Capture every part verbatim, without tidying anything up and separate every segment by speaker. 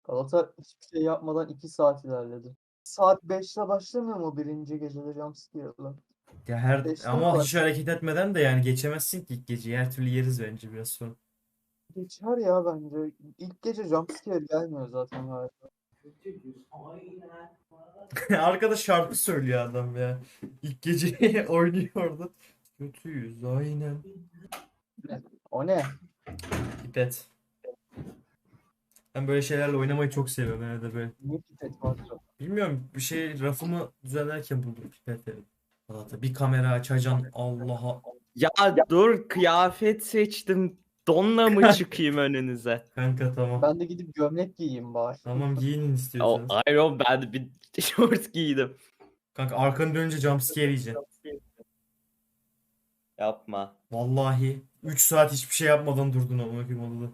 Speaker 1: Galata hiçbir şey yapmadan iki saat ilerledi. Saat beşte başlamıyor mu birinci gecede jumpscare'la?
Speaker 2: Ya her
Speaker 1: Beşte mi
Speaker 2: ama hiç
Speaker 1: başlıyor?
Speaker 2: hareket etmeden de yani geçemezsin ki ilk geceyi. Her türlü yeriz bence biraz sonra.
Speaker 1: Geçer ya bence. İlk gece jumpscare gelmiyor zaten galiba.
Speaker 2: Arkada şarkı söylüyor adam ya. İlk geceyi oynuyor orada. Kötüyüz aynen.
Speaker 1: Ne? O ne?
Speaker 2: Pipet. Ben böyle şeylerle oynamayı çok seviyorum. Nerede böyle.
Speaker 1: Niye pipet var çok?
Speaker 2: Bilmiyorum bir şey rafımı düzenlerken buldum pipeti. Valla bir kamera açacaksın Allah'a.
Speaker 3: Ya dur kıyafet seçtim. Donla mı çıkayım önünüze?
Speaker 2: Kanka tamam.
Speaker 1: Ben de gidip gömlek giyeyim bari.
Speaker 2: Tamam giyinin
Speaker 3: O
Speaker 2: istiyorsanız.
Speaker 3: hayır oğlum, ben de bir şort giydim.
Speaker 2: Kanka arkanı dönünce jumpscare yiyeceksin.
Speaker 3: Yapma.
Speaker 2: Vallahi üç saat hiçbir şey yapmadan durdun ama bakayım odada.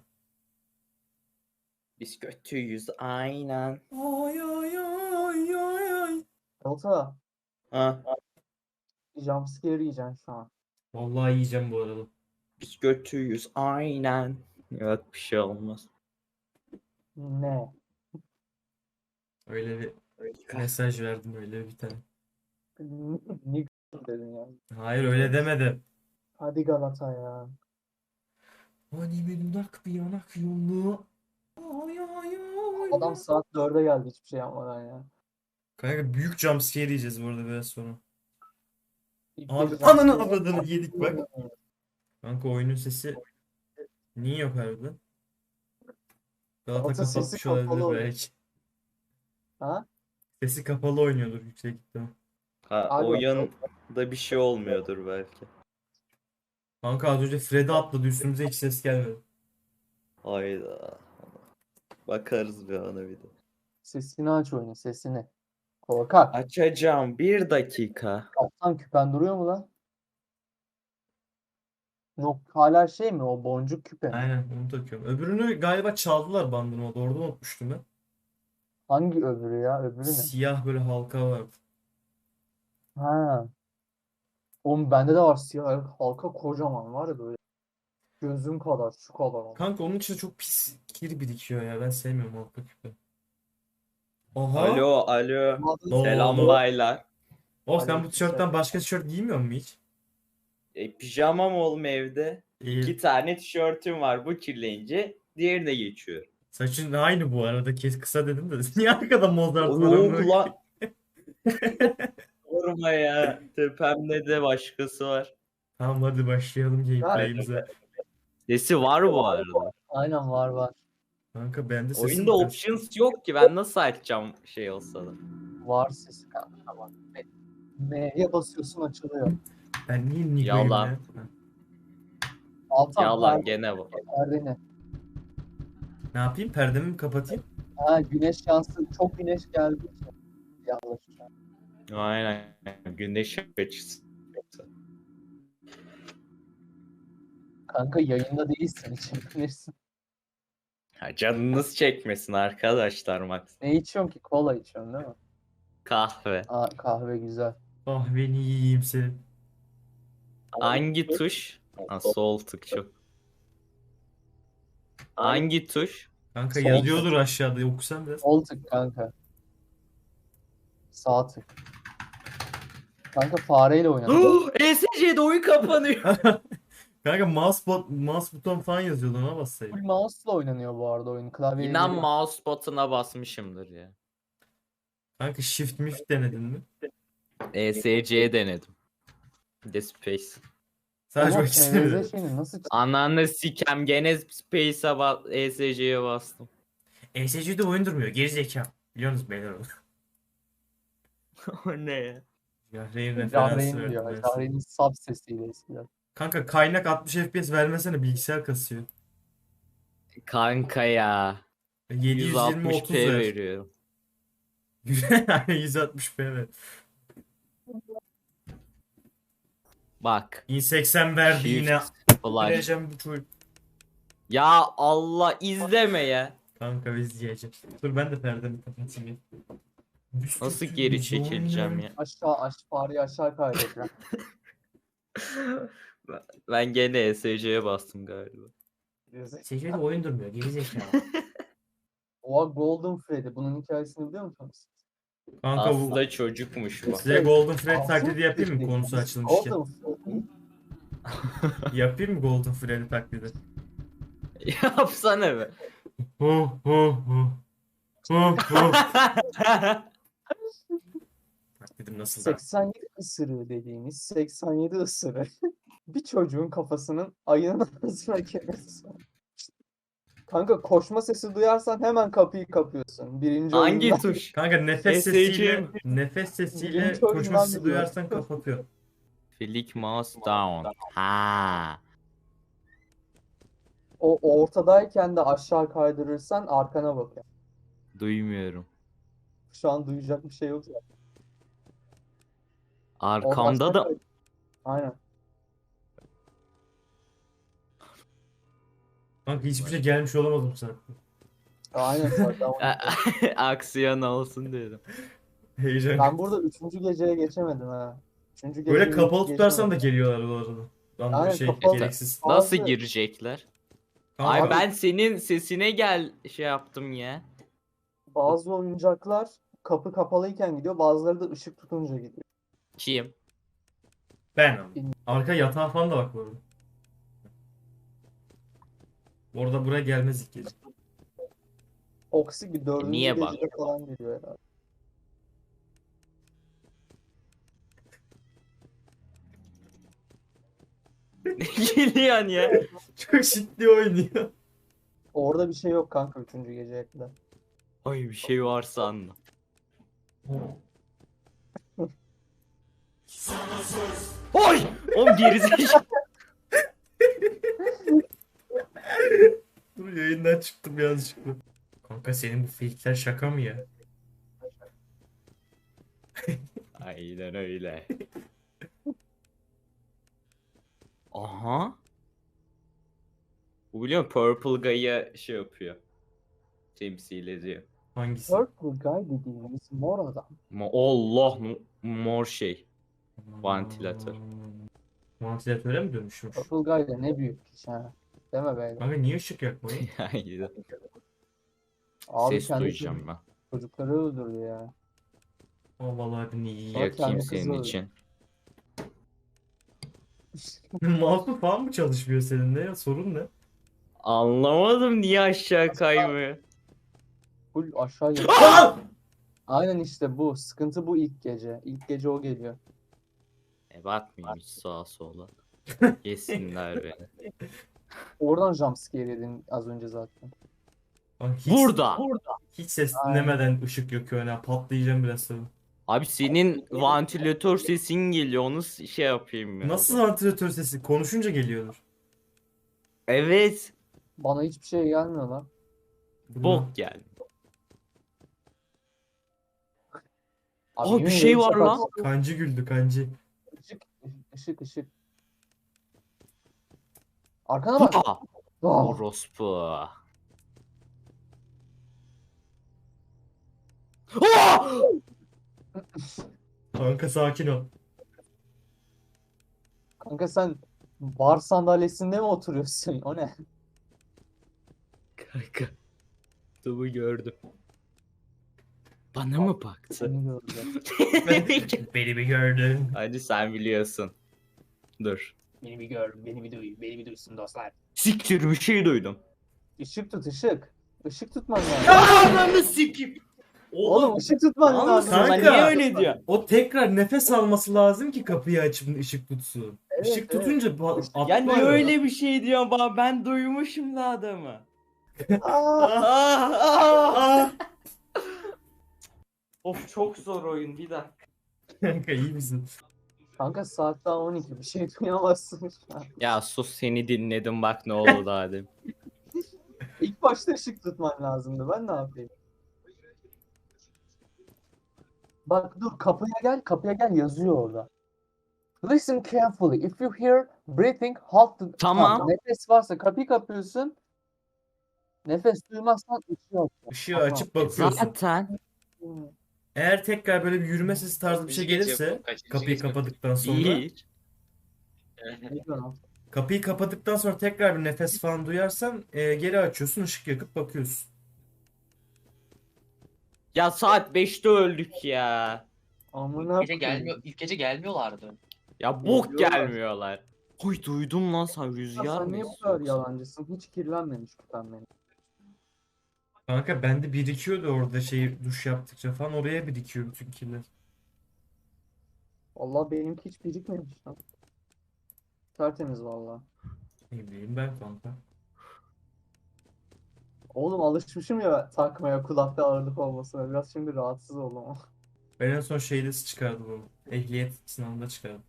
Speaker 3: Biz kötüyüz aynen.
Speaker 2: Ay ay ay ay ay.
Speaker 1: Galata
Speaker 3: Ha,
Speaker 1: jumpscare yiyeceksin şu an.
Speaker 2: Vallahi yiyeceğim bu arada.
Speaker 3: biz kötüyüz aynen. Yok bir şey olmaz.
Speaker 1: Ne?
Speaker 2: Öyle bir mesaj verdim öyle bir tane.
Speaker 1: Niye dedin ya?
Speaker 2: Hayır öyle demedim.
Speaker 1: Hadi Galata ya.
Speaker 2: Hani bir dudak bir yanak yolu. Ay ay ay.
Speaker 1: Adam saat dörde geldi hiçbir şey yapmadan ya.
Speaker 2: Kanka büyük jumpscare yiyeceğiz bu arada biraz sonra.
Speaker 1: İlk
Speaker 2: Abi
Speaker 1: gece
Speaker 2: ananı
Speaker 1: jumpscare-
Speaker 2: avradını yedik bak. Kanka oyunun sesi niye yok harbiden? Galata
Speaker 1: Galata sesi
Speaker 2: kapatmış olabilir
Speaker 1: kapalı oluyor.
Speaker 2: belki.
Speaker 1: Ha?
Speaker 2: Sesi kapalı oynuyordur yüksek ihtimal.
Speaker 3: Ha,
Speaker 1: Abi,
Speaker 3: oyunda bir şey olmuyordur belki.
Speaker 2: Kanka az önce Freddy atladı üstümüze hiç ses gelmedi.
Speaker 3: Hayda. Bakarız bir ana bir de.
Speaker 1: Sesini aç oyunu sesini. Korkak.
Speaker 3: Açacağım bir dakika.
Speaker 1: Kaptan küpen duruyor mu lan? Yok hala şey mi o boncuk küpe mi?
Speaker 2: Aynen onu takıyorum. Öbürünü galiba çaldılar bandını orada. Orada unutmuştum ben.
Speaker 1: Hangi öbürü ya? Öbürü ne?
Speaker 2: Siyah böyle halka vardı.
Speaker 1: Ha. Oğlum bende de var siyah halka kocaman var ya böyle. Gözüm kadar şu kadar ama.
Speaker 2: Kanka onun içinde çok pis kir birikiyor ya. Ben sevmiyorum halka küpe. Oha.
Speaker 3: Alo alo.
Speaker 2: Ne
Speaker 3: Selam
Speaker 2: oldu?
Speaker 3: baylar.
Speaker 2: Oh sen bu
Speaker 1: Aleykümselam.
Speaker 2: tişörtten başka tişört giymiyor musun hiç?
Speaker 3: E, pijamam oğlum evde.
Speaker 2: İyi.
Speaker 3: İki tane tişörtüm var. Bu kirlenince diğerine geçiyor.
Speaker 2: Saçın aynı bu arada. Kes kısa dedim de. Niye arkada Mozart var?
Speaker 3: Yok
Speaker 2: amına
Speaker 3: lan. Sorma ya. Tepemde de başkası var.
Speaker 2: Tamam hadi başlayalım gameplay'imize.
Speaker 3: Sesi var bu arada.
Speaker 1: Aynen var var.
Speaker 2: Kanka bende sesim
Speaker 3: Oyunda
Speaker 2: kız.
Speaker 3: options yok ki. Ben nasıl açacağım şey olsa da.
Speaker 1: Var sesi kanka var. M'ye basıyorsun açılıyor.
Speaker 2: Ben niye Nigo'yum
Speaker 3: Yalan.
Speaker 2: ya? Ha.
Speaker 1: Altan
Speaker 3: Yalan
Speaker 1: perde,
Speaker 3: gene bu.
Speaker 1: perdeni.
Speaker 2: Ne yapayım? Perdemi mi kapatayım?
Speaker 1: Ha güneş şansı çok güneş geldi. Yanlış.
Speaker 3: Aynen. Güneş açısı.
Speaker 1: Kanka yayında değilsin içebilirsin.
Speaker 3: Ha, canınız çekmesin arkadaşlar Max.
Speaker 1: Ne içiyorsun ki? Kola içiyorsun değil mi?
Speaker 3: Kahve.
Speaker 1: Aa, kahve güzel.
Speaker 2: Kahveni yiyeyim senin.
Speaker 3: Hangi tuş? Ha, sol tık çok. Hangi tuş?
Speaker 2: Kanka
Speaker 1: Sol
Speaker 2: yazıyordur aşağıda okusan biraz.
Speaker 1: Sol tık kanka. Sağ tık. Kanka fareyle oynadı.
Speaker 3: E S C'de oyun kapanıyor.
Speaker 2: Kanka mouse, bot, mouse buton falan yazıyordu ona
Speaker 1: Full
Speaker 2: bassaydım.
Speaker 1: mouse'la oynanıyor bu arada oyun. Klavye
Speaker 3: İnan
Speaker 1: değil.
Speaker 3: mouse button'a basmışımdır ya.
Speaker 2: Kanka shift mift denedin mi?
Speaker 3: E S C'ye denedim. Bir de Space.
Speaker 2: Sadece
Speaker 1: Ama
Speaker 2: o ikisini
Speaker 1: E V Z
Speaker 2: denedim.
Speaker 1: şeyini nasıl
Speaker 3: Ananı sikem gene Space'a bas E S C'ye bastım.
Speaker 2: E S C'de oyun durmuyor. Gerizekalı. Biliyorsunuz beyler onu.
Speaker 3: O ne ya?
Speaker 2: Yahreyn referansı
Speaker 1: Jahreyn
Speaker 2: verdim
Speaker 1: diyor.
Speaker 2: ben sana.
Speaker 1: Jahreyn'in sub sesiyle eskiden.
Speaker 2: Kanka kaynak altmış F P S vermesene bilgisayar kasıyor.
Speaker 3: Kanka ya.
Speaker 2: yedi yüz yirmi
Speaker 3: yüz altmış
Speaker 2: otuz
Speaker 3: p
Speaker 2: ver.
Speaker 3: veriyorum.
Speaker 2: Aynen yüz altmış p ver.
Speaker 3: Bak.
Speaker 2: bin seksen verdi
Speaker 3: Shift,
Speaker 2: yine.
Speaker 3: Flash.
Speaker 2: Vereceğim bu çocuk.
Speaker 3: Ya Allah izleme ya.
Speaker 2: Kanka izleyeceğim. Dur ben de perdemi kapatayım ya.
Speaker 3: Nasıl geri çekileceğim ya?
Speaker 1: Aşağı aş fareyi aşağı kaydedeceğim.
Speaker 3: Ben gene E S C'ye bastım galiba.
Speaker 2: Secde oyun durmuyor. Gerizekalı.
Speaker 1: Oha, Golden Freddy. Bunun hikayesini biliyor musunuz?
Speaker 2: Kanka bu
Speaker 3: Aslında çocukmuş bu.
Speaker 2: size Golden Fred
Speaker 1: Altın
Speaker 2: taklidi yapayım mı
Speaker 1: Freddy.
Speaker 2: konusu açılmışken?
Speaker 1: Golden Freddy.
Speaker 2: Yapayım mı Golden Freddy taklidi?
Speaker 3: Yapsana be.
Speaker 2: Hu hu hu. Hu hu. Taklidim nasıl da?
Speaker 1: seksen yedi ısırığı dediğimiz seksen yedi ısırığı bir çocuğun kafasının ayının arasına girmesi. Kanka koşma sesi duyarsan hemen kapıyı kapıyorsun. Birinci
Speaker 3: Hangi
Speaker 1: oyundan.
Speaker 3: tuş?
Speaker 2: Kanka nefes
Speaker 3: S S C
Speaker 2: sesiyle
Speaker 3: mi?
Speaker 2: nefes sesiyle
Speaker 1: Birinci
Speaker 2: koşma
Speaker 1: oyundan
Speaker 2: sesi
Speaker 1: biliyorum.
Speaker 2: duyarsan kapatıyor.
Speaker 3: Flick mouse down. Ha.
Speaker 1: O ortadayken de aşağı kaydırırsan arkana bak. Yani.
Speaker 3: Duymuyorum.
Speaker 1: Şu an duyacak bir şey yok zaten. O
Speaker 3: Arkamda
Speaker 1: aşağı
Speaker 3: da
Speaker 1: kay- Aynen.
Speaker 2: Kanka hiçbir şey gelmiş olamadım sana.
Speaker 1: Aynen zaten.
Speaker 3: aksiyon olsun dedim.
Speaker 2: Heyecan.
Speaker 1: Ben burada üçüncü geceye geçemedim ha. Üçüncü
Speaker 2: Böyle
Speaker 1: geceyi
Speaker 2: kapalı
Speaker 1: hiç
Speaker 2: tutarsan da
Speaker 1: geçemedim.
Speaker 2: geliyorlar bu arada. Lan bu
Speaker 1: Aynen,
Speaker 2: şey
Speaker 1: kapalı-
Speaker 2: gereksiz.
Speaker 3: Nasıl
Speaker 1: Bazı-
Speaker 3: girecekler?
Speaker 2: Kanka,
Speaker 3: Ay
Speaker 1: Abi-
Speaker 3: ben senin sesine gel şey yaptım ya.
Speaker 1: Bazı oyuncaklar kapı kapalıyken gidiyor, bazıları da ışık tutunca gidiyor.
Speaker 3: Kim?
Speaker 2: ben ama. Arka yatağa falan da bak bu arada. Orada buraya gelmez ilk gece.
Speaker 1: Oksik bir dördüncü
Speaker 3: niye bak?
Speaker 1: gecede falan geliyor herhalde.
Speaker 3: Geliyorsun ya.
Speaker 2: Çok ciddi oynuyor.
Speaker 1: Orada bir şey yok kanka üçüncü geceye kadar.
Speaker 3: Ay bir şey varsa anla. Oy! Oğlum gerizekalı.
Speaker 2: Dur yayından çıktım yanlışlıkla. Kanka senin bu fake'ler şaka mı ya?
Speaker 3: Aynen öyle. Aha. Bu biliyor musun? Purple Guy'a şey yapıyor. Temsil ediyor.
Speaker 2: Hangisi?
Speaker 1: Purple Guy dediğimiz mor adam.
Speaker 3: Ma Allah mu- mor şey. Vantilatör.
Speaker 2: Vantilatöre mi dönüşmüş?
Speaker 1: Purple Guy da ne büyük iş ha. Deme be.
Speaker 2: Kanka niye ışık yakmayın?
Speaker 3: Aynen.
Speaker 1: Abi
Speaker 3: Ses
Speaker 1: kendi
Speaker 3: duyacağım ben.
Speaker 1: çocukları öldürdü ya.
Speaker 2: Aa vallahi bir iyi.
Speaker 1: Bak,
Speaker 3: Yakayım
Speaker 1: kendi
Speaker 3: senin
Speaker 1: kızı
Speaker 3: için.
Speaker 2: Mouse'un falan mı çalışmıyor senin ne ya? Sorun ne?
Speaker 3: Anlamadım niye aşağı kaymıyor.
Speaker 1: Full aşağı geliyor. Aynen işte bu. Sıkıntı bu ilk gece. İlk gece o geliyor.
Speaker 3: E bakmayayım hiç sağa sola. Yesinler beni.
Speaker 1: Oradan jumpscare yedin az önce zaten.
Speaker 2: Bak hiç,
Speaker 3: Burada.
Speaker 2: hiç ses
Speaker 1: Aynen.
Speaker 2: dinlemeden ışık yakıyor ya. Patlayacağım biraz sonra.
Speaker 3: Abi senin vantilatör sesin geliyor onu s- şey yapayım ya.
Speaker 2: Nasıl vantilatör sesi? Konuşunca geliyordur.
Speaker 3: Evet.
Speaker 1: Bana hiçbir şey gelmiyor lan.
Speaker 2: Bu ne?
Speaker 3: Bok geldi.
Speaker 1: Abi
Speaker 3: Aa, bir
Speaker 1: yemin
Speaker 3: şey
Speaker 1: ederim
Speaker 3: var
Speaker 1: şaka-
Speaker 3: lan.
Speaker 2: Kancı güldü kancı.
Speaker 1: Işık, ışık, ışık. Arkana bak.
Speaker 3: Aa,
Speaker 1: Ah,
Speaker 3: orospu. Aa!
Speaker 2: Kanka sakin ol.
Speaker 1: kanka sen bar sandalyesinde mi oturuyorsun? O ne?
Speaker 3: Kanka. Tubu gördüm. Bana mı baktı?
Speaker 1: Seni gördüm.
Speaker 2: Beni bir gördün.
Speaker 3: Hadi sen biliyorsun. Dur.
Speaker 1: Beni bir gör, beni bir duy, beni bir duysun dostlar.
Speaker 3: Siktir bir şey duydum.
Speaker 1: Işık tut, ışık. Işık tutman lazım.
Speaker 3: Ananı sikip.
Speaker 1: Oğlum ışık tutman
Speaker 3: Lan
Speaker 1: lazım.
Speaker 3: mısın lan?
Speaker 2: Kanka.
Speaker 3: Niye öyle diyor?
Speaker 2: O tekrar nefes alması lazım ki kapıyı açıp ışık tutsun.
Speaker 1: Evet,
Speaker 2: Işık
Speaker 1: evet.
Speaker 2: tutunca ba-
Speaker 3: Ya niye
Speaker 2: atlıyor.
Speaker 3: öyle bir şey diyorsun bana? Ben duymuşum da adamı.
Speaker 1: Aa,
Speaker 3: Ah, ah, ah. Of çok zor oyun bir dakika.
Speaker 2: Kanka iyi misin?
Speaker 1: kanka saat daha on iki, bir şey duyamazsın şu an.
Speaker 3: Ya sus seni dinledim bak ne oldu daha demin.
Speaker 1: İlk başta ışık tutman lazımdı. Ben ne yapayım? Bak dur, kapıya gel, kapıya gel yazıyor orada. Listen carefully. If you hear breathing, halt the...
Speaker 3: Tamam.
Speaker 1: Nefes varsa kapıyı kapıyorsun. Nefes duymazsan ışığı aç.
Speaker 2: Işığı açıp bakıyorsun.
Speaker 3: Zaten
Speaker 2: Eğer tekrar böyle bir yürüme sesi tarzı bir şey gelirse kapıyı kapadıktan sonra
Speaker 3: hiç.
Speaker 1: Ne diyorsun lan?
Speaker 2: kapıyı kapadıktan sonra tekrar bir nefes falan duyarsan e, geri açıyorsun ışık yakıp bakıyorsun.
Speaker 3: Ya saat beşte öldük ya.
Speaker 1: Amına
Speaker 4: İlk gece
Speaker 1: koyayım.
Speaker 4: gelmiyor, ilk gece gelmiyorlardı.
Speaker 3: Ya bok
Speaker 1: Geliyorlar.
Speaker 3: gelmiyorlar. Huy duydum lan sen
Speaker 1: Ya
Speaker 3: rüzgar
Speaker 1: sen
Speaker 3: mı
Speaker 1: niye bu kadar
Speaker 3: istiyorsun?
Speaker 1: yalancısın? Hiç kirlenmemiş kutan benim.
Speaker 2: Kanka bende birikiyordu orada şey duş yaptıkça falan oraya birikiyor bütün kirler.
Speaker 1: Vallahi benimki hiç birikmemiş lan. Tertemiz vallahi.
Speaker 2: Ne bileyim ben kanka.
Speaker 1: Oğlum alışmışım ya takmaya kulakta ağırlık olmasına. Biraz şimdi rahatsız oldum.
Speaker 2: Ben en son şeyde çıkardım onu. Ehliyet sınavında çıkardım.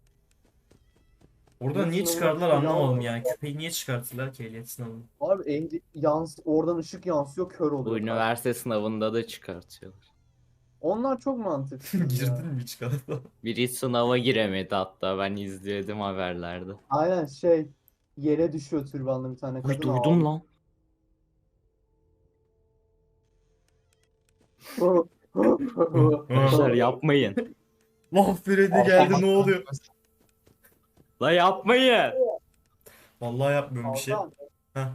Speaker 2: Orada
Speaker 1: Ehliyet
Speaker 2: niye
Speaker 1: sınavına
Speaker 2: çıkardılar
Speaker 1: küpe
Speaker 2: anlamadım
Speaker 1: yağmıyor.
Speaker 2: yani. Küpeyi niye çıkarttılar ki ehliyet sınavında?
Speaker 1: Abi ehli, yans, oradan ışık yansıyor kör
Speaker 3: Bu
Speaker 1: oluyor. kanka.
Speaker 3: üniversite sınavında da çıkartıyorlar.
Speaker 1: Onlar çok mantıksız ya.
Speaker 2: Girdin mi çıkarttı?
Speaker 3: Biri sınava giremedi hatta ben izledim haberlerde.
Speaker 1: Aynen şey yere düşüyor türbanlı bir tane
Speaker 3: Huy
Speaker 1: kadın.
Speaker 3: duydum lan. Arkadaşlar
Speaker 1: lan.
Speaker 3: yapmayın.
Speaker 2: Lan Freddy geldi ne oluyor?
Speaker 3: La yapmayın.
Speaker 2: Vallahi yapmıyorum bir şey.
Speaker 1: Altan,
Speaker 2: Heh.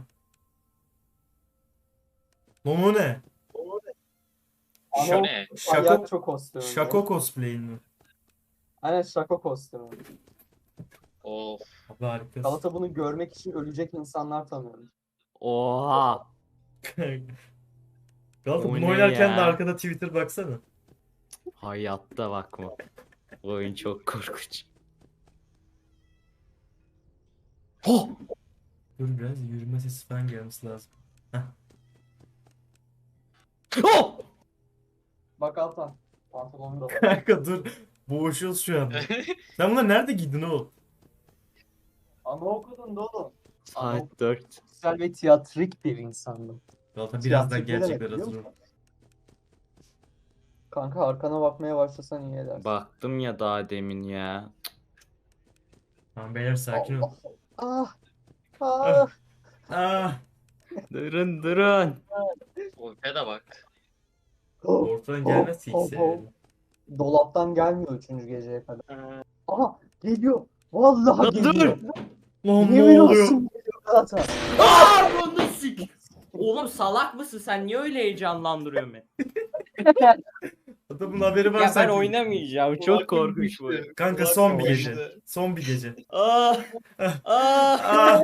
Speaker 2: Lan o ne?
Speaker 4: Şu
Speaker 1: Ama
Speaker 4: ne?
Speaker 2: Şako,
Speaker 1: palyaço kostümü.
Speaker 2: şako cosplay'in mi?
Speaker 1: Aynen şako kostümü.
Speaker 4: Of.
Speaker 2: Abi harikasın.
Speaker 1: Galata bunu görmek için ölecek insanlar tanıyorum.
Speaker 3: Oha.
Speaker 2: Galata
Speaker 3: O
Speaker 2: bunu
Speaker 3: ne
Speaker 2: oynarken de
Speaker 3: ya?
Speaker 2: arkada Twitter baksana.
Speaker 3: Hayatta bakma. Bu oyun çok korkunç. Oh!
Speaker 2: Dur biraz yürüme sesi falan gelmesi lazım.
Speaker 3: Oh!
Speaker 1: Bak Altan. Pantolonu da var.
Speaker 2: Kanka dur. Boğuşuyoruz şu anda. Sen bunları nerede giydin oğlum?
Speaker 1: Anaokulunda da oğlum.
Speaker 3: Saat dört.
Speaker 1: Güzel ve tiyatrik bir insandım.
Speaker 2: Galata birazdan
Speaker 1: Tiyatrik ne demek
Speaker 2: gerçekler
Speaker 1: biliyor
Speaker 2: hazır ol.
Speaker 1: musun? Kanka arkana bakmaya başlasan iyi edersin.
Speaker 3: Baktım ya daha demin ya.
Speaker 2: Tamam beyler sakin ol.
Speaker 1: Ah! Ah!
Speaker 2: Ah,
Speaker 3: Durun durun.
Speaker 4: Wolf'e de bak.
Speaker 1: Oh!
Speaker 2: ortadan gelmez ki
Speaker 1: Oh,
Speaker 2: ikisi.
Speaker 1: oh, Dolaptan gelmiyor üçüncü geceye kadar. Aha! Geliyor! Vallahi
Speaker 3: Dur, dur!
Speaker 1: geliyor!
Speaker 2: Lan ne
Speaker 1: Yemin
Speaker 2: oluyor?
Speaker 1: olsun geliyor Galata.
Speaker 3: Aa, bunu sik. Oğlum salak mısın sen? Niye öyle heyecanlandırıyorsun beni?
Speaker 2: Adamın haberi var
Speaker 3: Ya ben
Speaker 2: sanki.
Speaker 3: oynamayacağım. Çok korkunç bu.
Speaker 2: Kanka son bir gece. Son bir gece.
Speaker 3: Aa! Aa!
Speaker 2: Ah,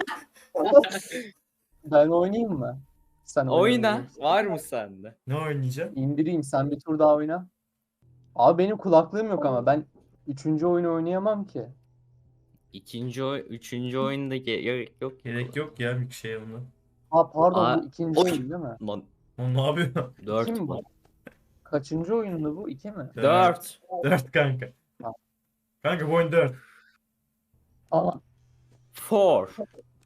Speaker 1: Ben oynayayım mı? Sen
Speaker 3: Oyna.
Speaker 1: oynayabilirsin.
Speaker 3: Var mı sende?
Speaker 2: ne oynayacağım?
Speaker 1: İndireyim sen bir tur daha oyna. Abi benim kulaklığım yok ama ben üçüncü oyunu oynayamam ki.
Speaker 3: İkinci oy, üçüncü oyunda ge- gerek yok.
Speaker 2: Gerek yok ya bir şey onunla.
Speaker 1: Ha pardon
Speaker 3: Aa,
Speaker 1: bu ikinci
Speaker 3: oy.
Speaker 1: oyun değil mi?
Speaker 3: Lan
Speaker 2: Lan ne yapıyor?
Speaker 3: dört
Speaker 1: İki mi
Speaker 3: bu.
Speaker 1: bu? Kaçıncı oyundu bu? İki mi?
Speaker 3: Dört.
Speaker 2: Dört kanka. Kanka bu oyun dört.
Speaker 1: Aa,
Speaker 3: Four.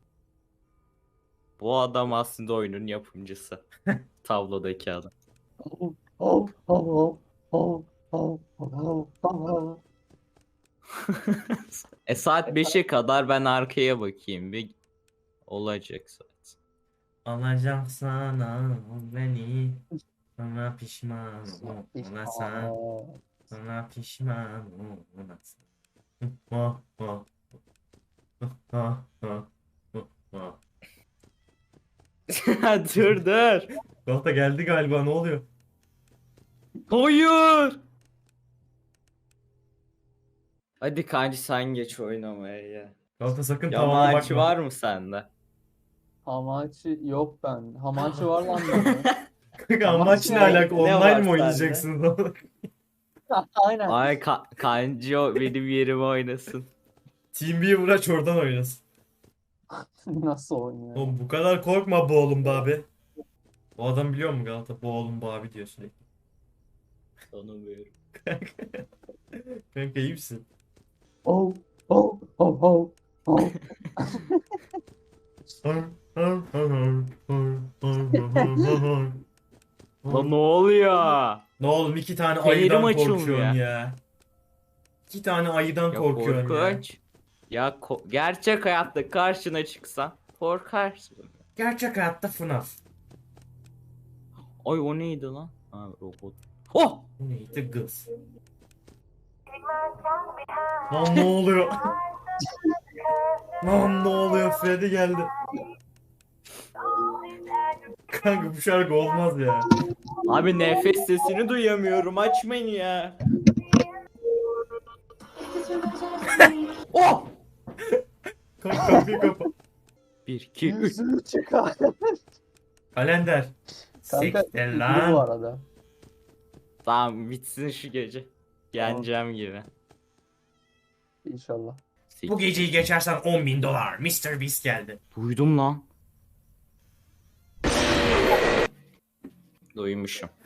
Speaker 3: Bu adam aslında oyunun yapımcısı. Tablodaki adam.
Speaker 1: oh, oh, oh, oh, oh, oh, oh.
Speaker 3: E saat beşe kadar ben arkaya bakayım bir olacak saat.
Speaker 2: Alacağım sana beni. Sana pişman olasın. Sana pişman olasın. Ha ha. Ha ha. Ha.
Speaker 3: Dur dur.
Speaker 2: Galata geldi galiba ne oluyor?
Speaker 3: Hayır. Hadi kanki sen geç oynamaya ya.
Speaker 2: Galata sakın tavana
Speaker 3: Yamaçı
Speaker 2: bakma.
Speaker 3: var mı sende?
Speaker 1: Hamachi yok ben. Hamachi var lan bende.
Speaker 2: Kanka
Speaker 1: Ama
Speaker 2: amaç ne
Speaker 1: ne-
Speaker 2: alaka?
Speaker 3: ne
Speaker 2: Online
Speaker 3: var
Speaker 2: mi
Speaker 3: sende?
Speaker 2: oynayacaksınız?
Speaker 1: Aynen.
Speaker 3: Ay ka kanci o benim yerime oynasın.
Speaker 2: TeamViewer aç oradan oynasın.
Speaker 1: Nasıl oynuyor?
Speaker 2: Oğlum bu kadar korkma bu oğlum be abi. O adam biliyor mu Galata? Bu oğlum bu abi diyor sürekli.
Speaker 3: Tanımıyorum.
Speaker 2: Kanka iyi misin?
Speaker 1: Oh, oh, oh, oh, oh.
Speaker 3: Lan ne oluyor?
Speaker 2: Ne oğlum iki tane
Speaker 3: Fenerim
Speaker 2: ayıdan
Speaker 3: açılmıyor.
Speaker 2: korkuyorsun ya. İki tane ayıdan
Speaker 3: Ya
Speaker 2: korkuyorsun ya.
Speaker 3: korkunç. Ya ko- gerçek hayatta karşına çıksan korkarsın.
Speaker 2: Gerçek hayatta F NAF.
Speaker 3: Ay o neydi lan? Ha robot. Oh!
Speaker 2: Bu neydi kız? Lan ne oluyor? Lan ne oluyor? Freddy geldi. Kanka bu şarkı olmaz ya.
Speaker 3: Abi nefes sesini duyamıyorum. Açmayın ya. Oh!
Speaker 2: Kanka kapıyı kapa.
Speaker 3: bir iki üç.
Speaker 1: Yüzüğü çıkar.
Speaker 2: Kalender.
Speaker 1: Kanka
Speaker 2: Siktir
Speaker 1: üzüldü bu
Speaker 2: lan.
Speaker 1: arada.
Speaker 3: Tamam bitsin şu gece. Yeneceğim gibi.
Speaker 1: İnşallah.
Speaker 2: Bu geceyi geçersen on bin dolar. mister Beast geldi.
Speaker 3: Duydum lan. Duymuşum.